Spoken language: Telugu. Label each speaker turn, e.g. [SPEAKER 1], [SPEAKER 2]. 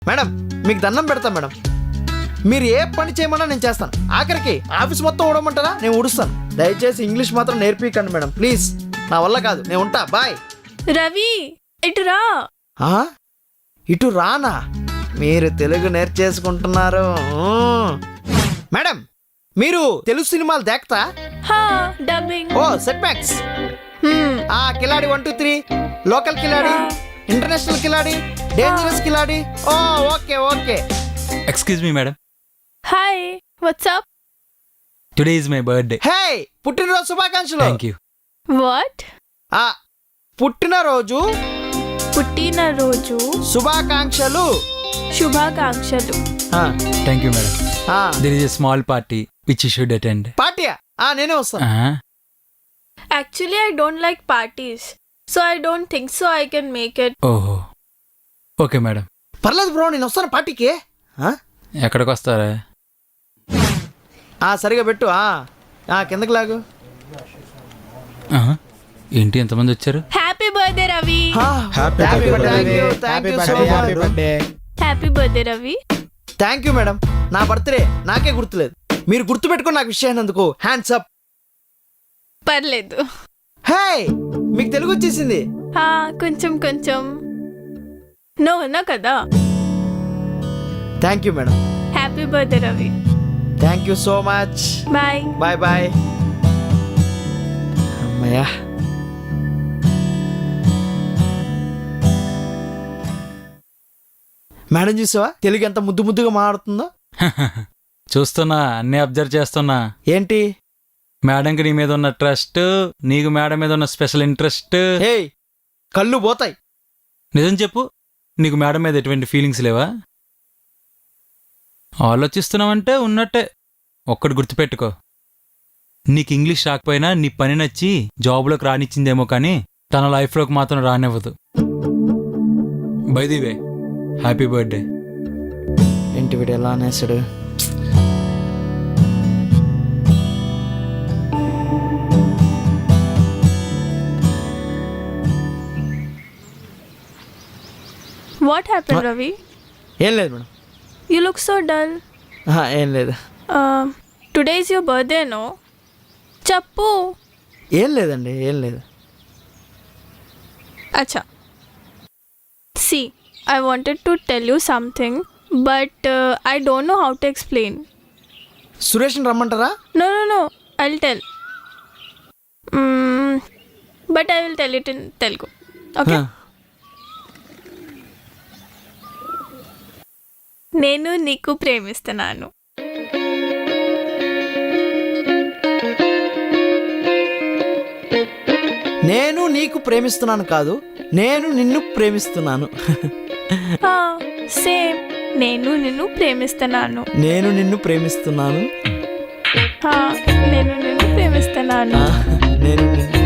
[SPEAKER 1] మేడం మీకు దండం పెడతా మేడం, మీరు ఏ పని చేయమన్నా నేను చేస్తాను. ఆఖరికి ఆఫీస్ మొత్తం ఊడమంటారా, నేను ఊడుస్తాను. దయచేసి ఇంగ్లీష్ మాత్రం నేర్పికండి మేడం ప్లీజ్, నా వల్ల కాదు, నేను ఉంటా, బాయ్.
[SPEAKER 2] రవి ఇటు రా.
[SPEAKER 1] ఇటు రానా? మీరు తెలుగు నేర్చేసుకుంటున్నారు. మేడం మీరు తెలుగు సినిమాలు దేక్తా?
[SPEAKER 2] హా డబ్బింగ్.
[SPEAKER 1] ఓ set max. Khiladi 1 2 3, local Khiladi, international Khiladi, dangerous Khiladi. ఓ okay okay.
[SPEAKER 3] Excuse me madam,
[SPEAKER 2] hi what's up.
[SPEAKER 3] Today is my birthday.
[SPEAKER 1] Hey పుట్టినరోజు శుభాకాంక్షలు.
[SPEAKER 3] Thank you.
[SPEAKER 2] వాట్?
[SPEAKER 1] పుట్టినరోజు
[SPEAKER 2] పుట్టినరోజు
[SPEAKER 1] శుభాకాంక్షలు.
[SPEAKER 2] శుభాకాంక్షలు.
[SPEAKER 3] Thank you madam. There is a small party which you should attend.
[SPEAKER 1] పార్టీయా? నేనే వస్తాను.
[SPEAKER 2] Actually, I don't like parties. So I don't think so I can make it.
[SPEAKER 3] ఓహో ఓకే మేడం.
[SPEAKER 1] పర్లేదు బ్రో, నేను వస్తాను పార్టీకి.
[SPEAKER 3] ఎక్కడికి వస్తారా?
[SPEAKER 1] సరిగా పెట్టు. కిందకి లాగు.
[SPEAKER 3] ఏంటి ఎంతమంది వచ్చారు?
[SPEAKER 2] Happy birthday, Ravi. Happy birthday, Ravi.
[SPEAKER 1] Thank you madam. నా బర్త్డే నాకే గుర్తులేదు, మీరు గుర్తు పెట్టుకుని నాకు విష్ అయినందుకు హ్యాండ్స్ అప్.
[SPEAKER 2] పర్లేదు.
[SPEAKER 1] హే మీకు తెలుగు వచ్చేసింది?
[SPEAKER 2] కొంచెం కొంచెం. నువ్వున్నా కదా.
[SPEAKER 1] Thank you madam.
[SPEAKER 2] Happy birthday Ravi.
[SPEAKER 1] Thank you so much.
[SPEAKER 2] Bye
[SPEAKER 1] bye bye. అమ్మయ్యా. మేడం చూసావా తెలుగు ఎంత ముద్దు ముద్దుగా మాట్లాడుతుందో?
[SPEAKER 3] చూస్తున్నా, అన్నీ అబ్జర్వ్ చేస్తున్నా.
[SPEAKER 1] ఏంటి?
[SPEAKER 3] మేడంకి నీ మీద ఉన్న ట్రస్ట్, నీకు మేడం మీద ఉన్న స్పెషల్ ఇంట్రెస్ట్.
[SPEAKER 1] హే కళ్ళు పోతాయి.
[SPEAKER 3] నిజం చెప్పు, నీకు మేడం మీద ఎటువంటి ఫీలింగ్స్ లేవా? ఆలోచిస్తున్నావంటే ఉన్నట్టే. ఒక్కటి గుర్తుపెట్టుకో, నీకు ఇంగ్లీష్ రాకపోయినా నీ పని నచ్చి జాబ్లోకి రానిచ్చిందేమో కానీ తన లైఫ్లోకి మాత్రం రానివ్వదు. By the way, happy birthday.
[SPEAKER 1] ఏంటి వీడు ఎలా అనేసాడు?
[SPEAKER 2] What happen Ravi?
[SPEAKER 1] ఏం లేదు madam.
[SPEAKER 2] You look so dull.
[SPEAKER 1] ఏం లేదు.
[SPEAKER 2] Today is your birthday no? చెప్పు.
[SPEAKER 1] ఏం లేదండి, ఏం లేదు.
[SPEAKER 2] అచ్చా, see I wanted to tell you something but I don't know how to explain.
[SPEAKER 1] సురేష్ని రమ్మంటారా?
[SPEAKER 2] No no no, I will tell. But I will tell it in Telugu. Okay. నేను నీకు ప్రేమిస్తున్నాను.
[SPEAKER 1] నేను నీకు ప్రేమిస్తున్నాను కాదు, నేను నిన్ను ప్రేమిస్తున్నాను.
[SPEAKER 2] సేమ్, నేను నిన్ను ప్రేమిస్తున్నాను.
[SPEAKER 1] నేను నిన్ను ప్రేమిస్తున్నాను.
[SPEAKER 2] నేను నిన్ను ప్రేమిస్తున్నాను.
[SPEAKER 1] నేను నిన్ను